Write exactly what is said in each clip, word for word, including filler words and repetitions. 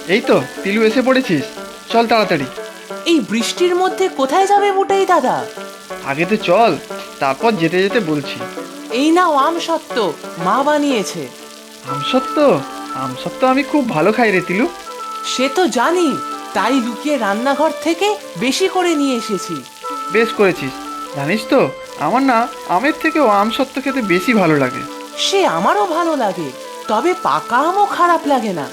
এই তো তিলু এসে পড়েছিস, চল তাড়াতাড়ি। এই বৃষ্টির মধ্যে কোথায় যাবে বুটাই দাদা? আগে তো চল, তারপর যেতে যেতে বলছি। এই নাও আম সত্ত্ব, মা বানিয়েছে। আমসত্ত্ব? আমসত্ত্ব আমি খুব ভালো খাই রে তিলু। সে তো জানি, তাই লুকিয়ে রান্নাঘর থেকে বেশি করে নিয়ে এসেছি। বেশ করেছিস। জানিস তো আমার না আমের থেকেও আমসত্ত্ব খেতে বেশি ভালো লাগে। সে আমারও ভালো লাগে, তবে পাকা আমও খারাপ লাগে না।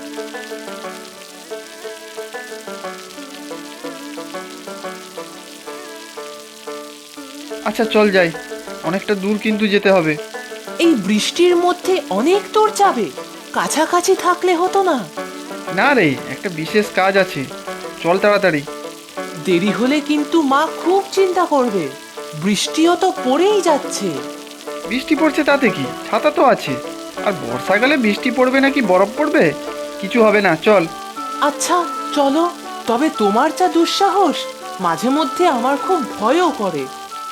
আচ্ছা চল যাই, অনেকটা দূর কিন্তু যেতে হবে। এই বৃষ্টির মধ্যে অনেক দূর যাবে? কাছাকাছি থাকলে হতো না? না রে, একটা বিশেষ কাজ আছে, চল তাড়াতাড়ি। দেরি হলে কিন্তু মা খুব চিন্তা করবে। বৃষ্টিও তো পড়েই যাচ্ছে। বৃষ্টি পড়ছে তাতে কি, ছাতা তো আছে। আর বর্ষাকালে বৃষ্টি পড়বে নাকি বরফ পড়বে, কিছু হবে না, চল। আচ্ছা চলো, তবে তোমার যা দুঃসাহস, মাঝে মধ্যে আমার খুব ভয়ও করে।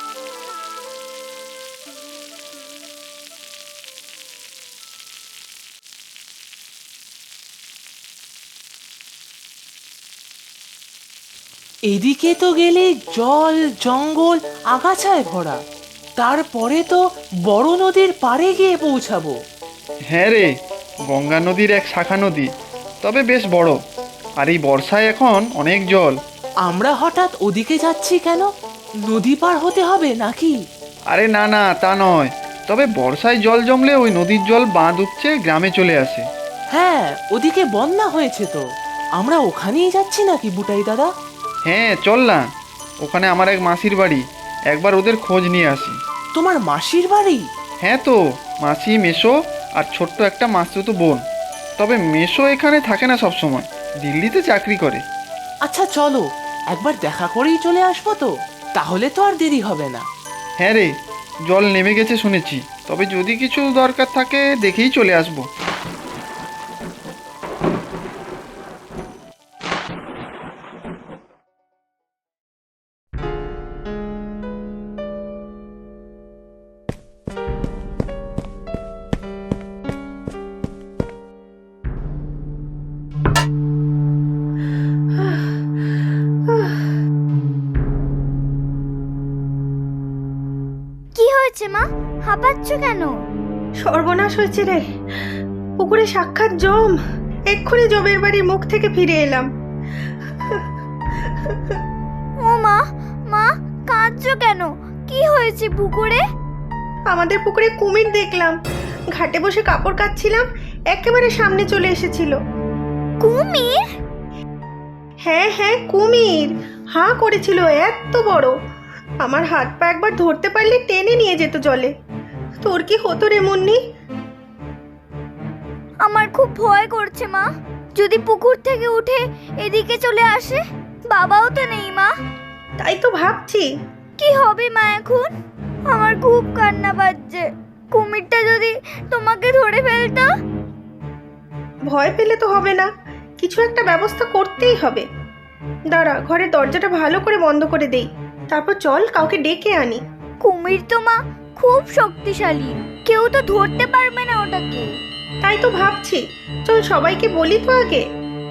এদিকে তো গেলে জল জঙ্গল আগাছায় ভরা, তারপরে তো বড় নদীর পাড়ে গিয়ে পৌঁছাবো। হ্যাঁ রে, গঙ্গা নদীর এক শাখা নদী, তবে বেশ বড়। আর এই বর্ষায় এখন অনেক জল। আমরা হঠাৎ ওদিকে যাচ্ছি কেন? নদী পার হতে হবে নাকি? আরে না না, তা নয়, তবে বর্ষায় জল জমলে ওই নদীর জল বাঁধ উপচে গ্রামে চলে আসে। হ্যাঁ, ওদিকে বন্যা হয়েছে তো। আমরা ওখানেই যাচ্ছি নাকি বুটাই দাদা? হ্যাঁ চল না, ওখানে আমার এক মাসির বাড়ি, একবার ওদের খোঁজ নিয়ে আসি। তোমার মাসির বাড়ি? হ্যাঁ তো, মাসি, মেসো আর ছোট্ট একটা মাসতুতো বোন। তবে মেসো এখানে থাকে না সব সময়, দিল্লিতে চাকরি করে। আচ্ছা চলো, একবার দেখা করেই চলে আসবো তো, তাহলে তো আর দেরি হবে না। হ্যাঁ রে, জল নেমে গেছে শুনেছি, তবে যদি কিছু দরকার থাকে দেখেই চলে আসবো। কি হয়েছে মা, হাঁপাচ্ছ কেন? সর্বনাশ হয়েছে রে, পুকুরে সাক্ষাৎ জম। এক্ষুনি জমের বাড়ির মুখ থেকে ফিরে এলাম। ও মা, মা কাঁদছো কেন? কি হয়েছে পুকুরে? আমাদের পুকুরে কুমির দেখলাম, ঘাটে বসে কাপড় কাচ্ছিলাম, একেবারে সামনে চলে এসেছিল। কুমির? হ্যাঁ হ্যাঁ কুমির, হাঁ করেছিল এত বড়। আমার হাত পা একবার ধরতে পারলে টেনে নিয়ে যেত জলে। তোর কি হতো রে মুন্নি? আমার খুব ভয় করছে মা, যদি পুকুর থেকে উঠে এদিকে চলে আসে। বাবাও তো নেই মা। তাই তো ভাবছি। কি হবে মা এখন? আমার খুব কান্না পাচ্ছে। কুমিরটা যদি তোমাকে ধরে ফেলতো? ভয় পেলে তো হবে না, কিছু একটা ব্যবস্থা করতেই হবে। দাঁড়া, ঘরের দরজাটা ভালো করে বন্ধ করে দেই, তারপর চল কাউকে ডেকে আনি। কুমির তো মা খুব শক্তিশালী, কেউ তো ধরতে পারবে না ওটাকে। তাই তো ভাবছি, চল সবাইকে বলি তো আগে।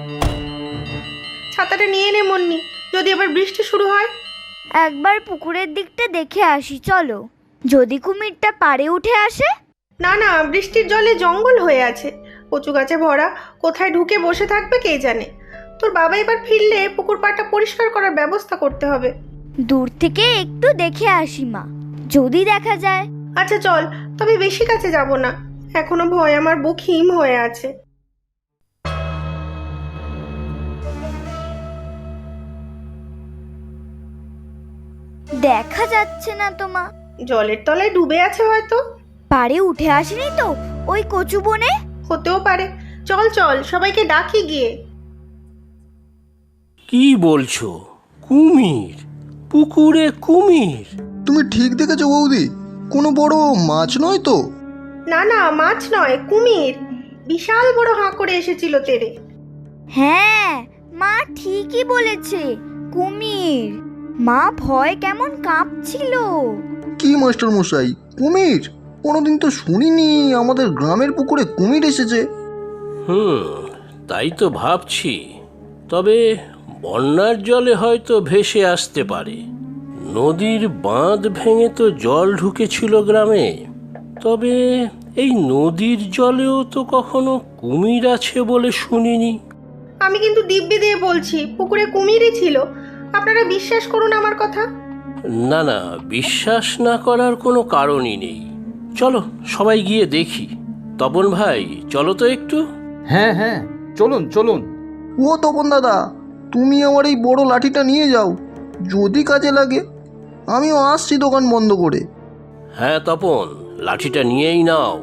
ছাতাটা নিয়ে নে মুন্নি, যদি আবার বৃষ্টি শুরু হয়। একবার পুকুরের দিকটা দেখে আসি চলো, যদি কুমিরটা পাড়ে উঠে আসে। না না, বৃষ্টির জলে জঙ্গল হয়ে আছে, কচু গাছে ভরা, কোথায় ঢুকে বসে থাকবে কে জানে। তোর বাবা এবার ফিরলে পুকুর পাড়টা পরিষ্কার করার ব্যবস্থা করতে হবে। দূর থেকে একটু দেখে আসি মা, যদি দেখা যায়। আচ্ছা চল, তবে বেশি কাছে যাব না, এখনো ভয় আমার বুক হিম হয়ে আছে। দেখা যাচ্ছে না তো মা। জলের তলায় ডুবে আছে হয়তো। পাড়ে উঠে আসেনি তো ওই কচু বনে? হতেও পারে, চল চল সবাইকে ডাকি গিয়ে। কি বলছো? কুমির? পুকুরে কুমির? তুমি ঠিক দেখেছো বৌদি, কোনো বড় মাছ নয় তো? না না, মাছ নয়, কুমির। বিশাল বড় হাঁ করে এসেছিল তেরে। হ্যাঁ মা ঠিকই বলেছে, কুমির। মা ভয় কেমন কাঁপছিল। কি মাস্টার মশাই, কুমির? কোনোদিন তো শুনিনি আমাদের গ্রামের পুকুরে কুমির এসেছে। হুম, তাই তো ভাবছি। তবে বন্যার জলে হয়তো ভেসে আসতে পারে। নদীর বাঁধ ভেঙে তো জল ঢুকেছিল গ্রামে। তবে এই নদীর জলেও তো কখনো কুমির আছে বলে শুনিনি। আমি কিন্তু দিব্যি দিয়ে বলছি পুকুরে কুমিরই ছিল। আপনারা বিশ্বাস করুন আমার কথা। না না, বিশ্বাস না করার কোনো কারণই নেই। চলো সবাই গিয়ে দেখি। তপন ভাই, চলো তো একটু। হ্যাঁ হ্যাঁ, চলুন চলুন। ও তপন দাদা, তুমি আমার এই বড় লাঠিটা নিয়ে যাও, যদি কাজে লাগে। আমিও আসছি দোকান বন্ধ করে। হ্যাঁ তপন, লাঠিটা নিয়েই নাও।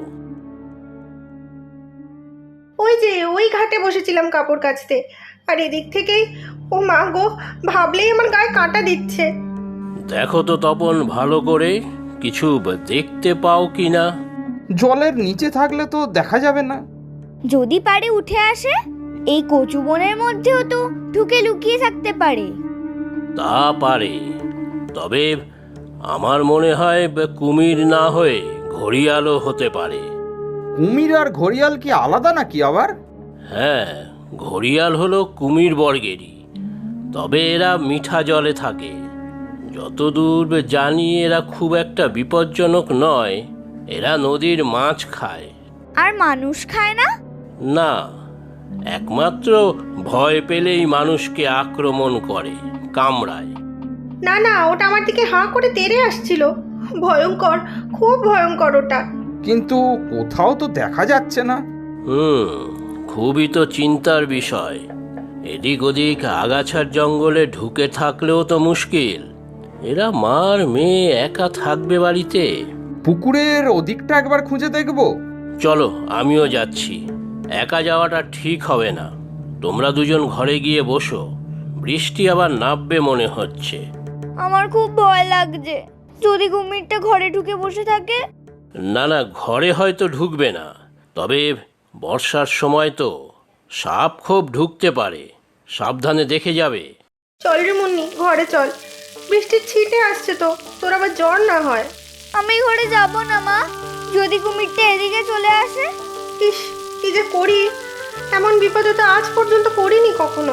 ওই যে ওই ঘাটে বসেছিলাম কাপড় কাচতে, আর এদিক থেকেই ও মা গো, ভাবলেই আমার গায়ে কাঁটা দিচ্ছে। দেখো তো তপন ভালো করে, কিছু দেখতে পাও কি না। জলের নিচে থাকলে তো দেখা যাবে না। যদি পারে উঠে আসে, এই কচু বনের মধ্যেও তো ঢুকে লুকিয়ে থাকতে পারে। তা পারে, তবে আমার মনে হয় কুমির না হয়ে ঘড়িয়ালও হতে পারে। কুমির আর ঘড়িয়াল কি আলাদা নাকি আবার? হ্যাঁ, ঘড়িয়াল হলো কুমির বর্গেরই, তবে এরা মিঠা জলে থাকে। যতদূর জানি এরা খুব একটা বিপজ্জনক নয়। এরা নদীর মাছ খায়। আর মানুষ খায় না? না, একমাত্র ভয় পেলেই মানুষকে আক্রমণ করে, কামড়ায়। না না, ওটা আমার দিকে হাঁ করে তেড়ে আসছিল। ভয়ঙ্কর, খুব ভয়ঙ্কর ওটা। কিন্তু কোথাও তো দেখা যাচ্ছে না। হুম, খুবই তো চিন্তার বিষয়। এদিক ওদিক আগাছার জঙ্গলে ঢুকে থাকলেও তো মুশকিল। এরা মার মেয়ে একা থাকবে বাড়িতে। পুকুরের ওদিকটা একবার খুঁজে দেখব। চলো, আমিও যাচ্ছি। একা যাওয়াটা ঠিক হবে না। তোমরা দুজন ঘরে গিয়ে বসো, বৃষ্টি আবার নামবে মনে হচ্ছে। আমার খুব ভয় লাগছে, যদি কুমিরটা ঘরে ঢুকে বসে থাকে। না না, ঘরে হয়তো ঢুকবে না, তবে বর্ষার সময় তো সাপ খুব ঢুকতে পারে। সাবধানে দেখে যাবে। চল রে মুন্নি, ঘরে চল। বৃষ্টির ছিটে আসছে তো, তোর আবার জ্বর না হয়। আমি ঘরে যাব না মা, যদি কুমিরটা এদিকে চলে আসে। ইস, কি যে করি, এমন বিপদে তো আজ পর্যন্ত পড়িনি কখনো।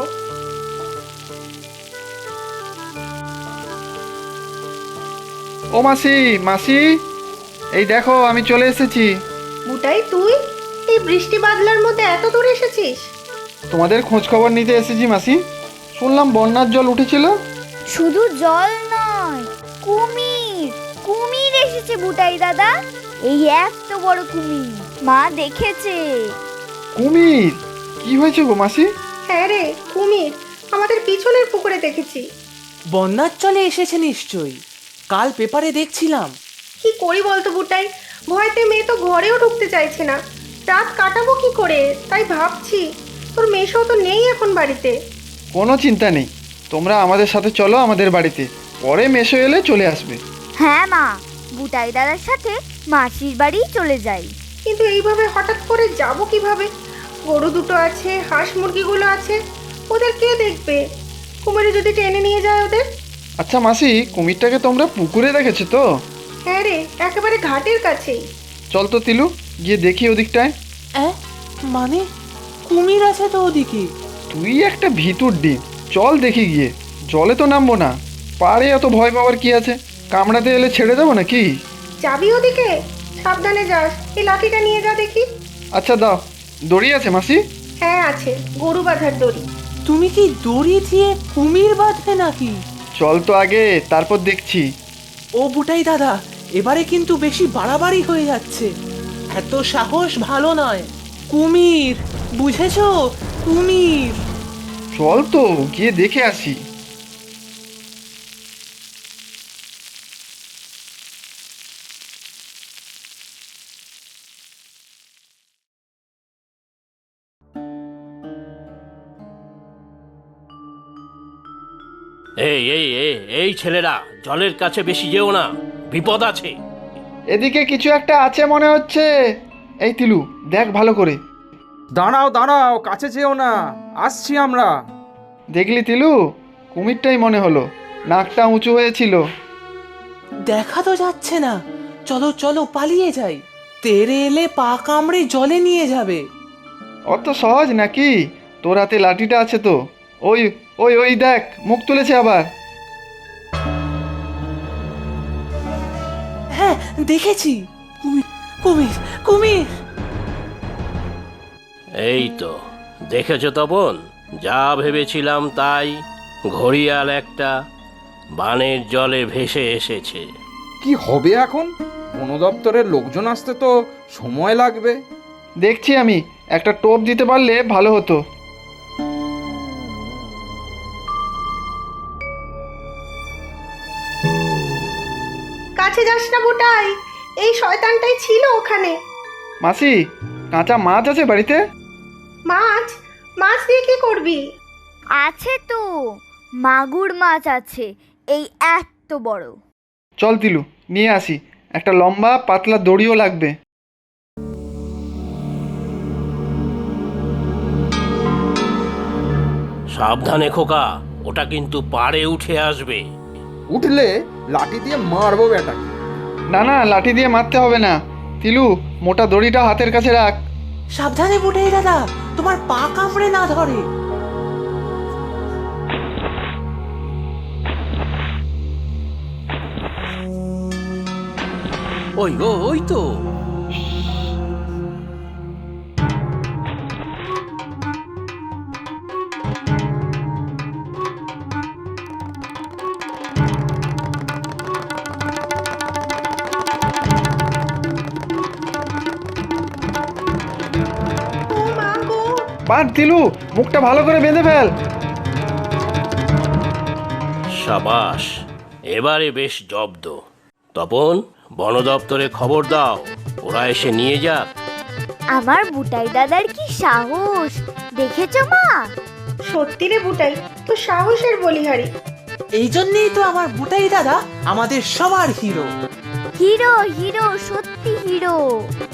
ও মাসি, মাসি, এই দেখো আমি চলে এসেছি। বুটাই, তুই এই বৃষ্টি বাদলার মধ্যে এত দূর এসেছিস? তোমাদের খোঁজ খবর নিতে এসেছি মাসি। শুনলাম বন্যার জল উঠেছিল। শুধু জল নয়, কুমির কুমির এসেছে বুটাই দাদা। এই এত বড় কুমির, মা দেখেছে। কুমির? কি হয়েছে গো মাসি? হ্যাঁ রে, কুমির আমাদের পিছনের পুকুরে দেখেছি। বন্যার চলে এসেছে নিশ্চয়ই, কাল পেপারে দেখছিলাম। কি করি বলতো বুটাই, ভয়তে মেয়ে তো ঘরেও ঢুকতে চাইছে না। রাত কাটাবো কি করে, তাই ভাবছি। তোর মেয়েও তো নেই এখন বাড়িতে। কোনো চিন্তা নেই, তোমরা আমাদের সাথে চলো আমাদের বাড়িতে, পরে মেশো এলে চলে আসবে। হ্যাঁ মা, বুটাই দাদার সাথে মাসির বাড়ি চলে যাই। কিন্তু এইভাবে হঠাৎ করে যাব কিভাবে? গরু দুটো আছে, হাঁস মুরগিগুলো আছে, ওদের কে দেখবে? কুমিরে যদি টেনে নিয়ে যায় ওদের। আচ্ছা মাসি, কুমিরটাকে তোমরা পুকুরে দেখেছো তো? হ্যাঁ রে, একেবারে ঘাটের কাছেই। চল তো তিলু, গিয়ে দেখি ওদিকটায়। অ্যাঁ, মানে কুমির আছে তো ওদিকে? তুই একটা ভিতুর ডিম, চল দেখি গিয়ে। জলে তো নামবো না, পারে এত ভয় পাওয়ার কি আছে? কামড়াতে এলে ছেড়ে দেবো নাকি? যাবি ওদিকে? সাবধানে যাস। এই লাঠিটা নিয়ে যা দেখি। আচ্ছা দাও, দড়ি আছে মাসি? হ্যাঁ আছে, গরু বাঁধার দড়ি। তুমি কি দড়ি দিয়ে কুমির বাঁধবে নাকি? চল তো আগে, তারপর দেখছি। ও বুটাই দাদা, এবারে কিন্তু বেশি বাড়াবাড়ি হয়ে যাচ্ছে। এত সাহস ভালো নয়। কুমির, বুঝেছো? কুমির। চল তো গিয়ে দেখে আসি। এই এই এই এই ছেলেরা, জলের কাছে বেশি যেও না, বিপদ আছে। এদিকে কিছু একটা আছে মনে হচ্ছে। এই তিলু, দেখ ভালো করে। দাঁড়াও দাঁড়াও, কাছে যেও না, আসছি আমরা। দেখলি তিলু, কুমিরটাই মনে হলো, নাকটা উঁচু হয়েছিল। দেখা তো যাচ্ছে না। চলো চলো পালিয়ে যাই, তেরে এলে পা কামড়ে জলে নিয়ে যাবে। অত সহজ নাকি? তোর হাতে লাঠিটা আছে তো, ওই ওই ওই দেখ মুখ তুলেছে আবার। হ্যাঁ দেখেছি, কুমির কুমির কুমির। এই তো দেখেছো তপন, যা ভেবেছিলাম তাই। ঘড়িয়াল একটা বানের জলে ভেসে এসেছে। কি হবে এখন? বন দপ্তরের লোকজন আসতে তো সময় লাগবে। দেখছি আমি, একটা টোপ দিতে পারলে ভালো হতো। কাছে যাস না বুটাই, এই শয়তানটাই ছিল ওখানে। মাসি, কাঁচা মাছ আছে বাড়িতে? মাছ? মাছ দিয়ে কি করবি? আছে তো, মাগুর মাছ আছে, এই এত বড়। চল তিলু, নিয়ে আসি। একটা লম্বা পাতলা দড়িও লাগবে। সাবধানে খোকা, ওটা কিন্তু পাড়ে উঠে আসবে। উঠলে লাঠি দিয়ে মারবো বেটাকে। না না, লাঠি দিয়ে মারতে হবে না। তিলু, মোটা দড়িটা হাতের কাছে রাখ। সাবধানে বুটাই দাদা, তোমার পা কামড়ে না ধরে। ওই ও ওই তো। ও মা গো! বাদ তিলু, মুখটা ভালো করে বেঁধে ফেল। সাবাস, এবারে বেশ জব্দ। তপন, বন দপ্তরে খবর দাও, ওরা এসে নিয়ে যাক। আমার বুটাই দাদার কি সাহস, দেখেছো মা? সত্যি রে বুটাই, তো সাহসের বলিহারি। এই জন্যই তো আমার বুটাই দাদা আমাদের সবার হিরো। হিরো হিরো, সত্যি হিরো।